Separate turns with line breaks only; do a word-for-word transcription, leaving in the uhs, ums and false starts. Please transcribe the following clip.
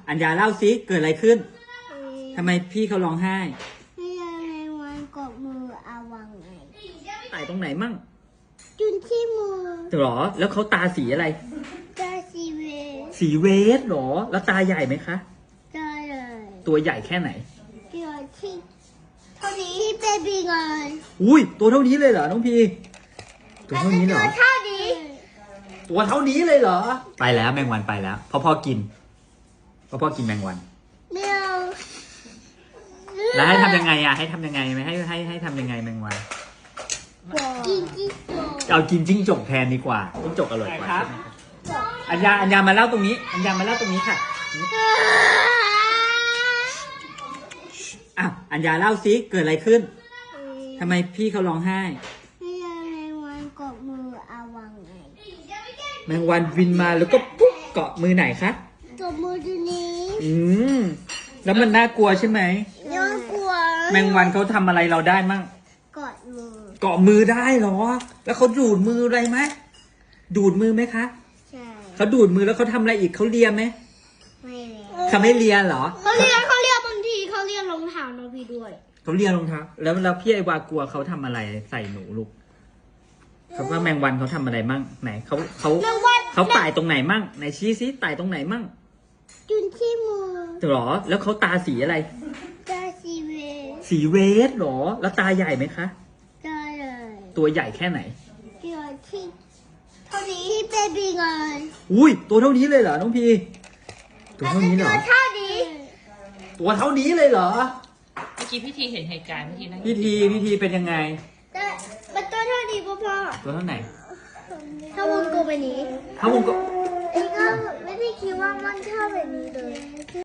อัญญาเล่าสิเกิดอะไรขึ้นทำไมพี่เขาร้องไห้
พี่ยังไงวันกดมือเอาวางไง
ไต่ตรงไหนมั่ง
จุนที่มือ
หรอแล้วเขาตาสีอะไร
ตาสีเวส
สีเวสหรอแล้วตาใหญ่ไหมคะ
ตาใหญ่
ตัวใหญ่แค่ไหน
ตัวที่เท่านี้เบบี้เลย
อุ้ยตัวเท่านี้เลยเหรอน้องพีตัวเท่านี้เหรอ
ตัวเท่านี้
ตัวเท่านี้เลยเหรอไปแล้วแมงวันไปแล้วพ่อพ่อกินพ่อพ่อกินแมงวัน
ไม่เอา
แล้วให้ทำยังไงอ่ะให้ทำยังไงไหมให้ให้ให้ทำยังไงแมงวัน
กินจิ้งจก
เอากินจิ้งจกแทนดีกว่าจิ้งจกอร่อยกว่าครับอัญญาอัญญามาเล่าตรงนี้อัญญามาเล่าตรงนี้ค่ะอ่ะอัญญาเล่าสิเกิดอะไรขึ้นทำไมพี่เขาร้องไห้
พี่ยังไงวันกดมือเอาวางไง
แมงวันบินมาแล้วก็ปุ๊บเกาะมือไหนคะ
กดมือตัวนี้
อืมแล้วมันน่ากลัวใช่ไหม
น่ากลัว
แมงวันเขาทำอะไรเราได้มั่ง
กดมือ
เกาะมือได้เหรอแล้วเขาดูดมืออะไรไหมดูดมือไหมคะ
ใช่
เขาดูดมือแล้วเขาทำอะไรอีกเขาเลียไหม
ไม่เลีย
เขาไม่เลียเหรอ
เขาเลียเขาเลียบางทีเขาเลียรองเท้าน้องพี่ด้วย
เขาเลียรองเท้าแล้วแล้วพี่ไอวากลัวเขาทำอะไรใส่หนูลูกเขาว่าแมงวันเขาทำอะไรมั่งไหนเขาเขาเขาไต่ตรงไหนมั่งไหนชี้ซิไต่ตรงไหนมั่ง
จุนที่มือ
หรอแล้วเขาตาสีอะไร
ตาสีเวส
สีเวสหรอแล้วตาใหญ่ไหมคะ
ตาใหญ่
ตัวใหญ่แค่ไหน
ตัวที่เท่านี้เบบี้เลย
อุ้ยตัวเท่านี้เลยเหรอน้องพีตัวเท่านี้เหรอ
ตัวเท่านี้
ตัวเท่านี้เลยเหรอ
เมื่อกี้พี่ทีเห็นเหตุการณ์เมื่อกี้นะ
พี่ทีพี่ทีเป็นยังไง
มันตัวเท่านี้พ่อพ่อ
ตัวเท่าไหน
ถ้าวงกลมแบบนี้
ถ้าวงกลม
ไอ้ก็ไม่ได้คิดว่ามันเท่าแบบนี้เลย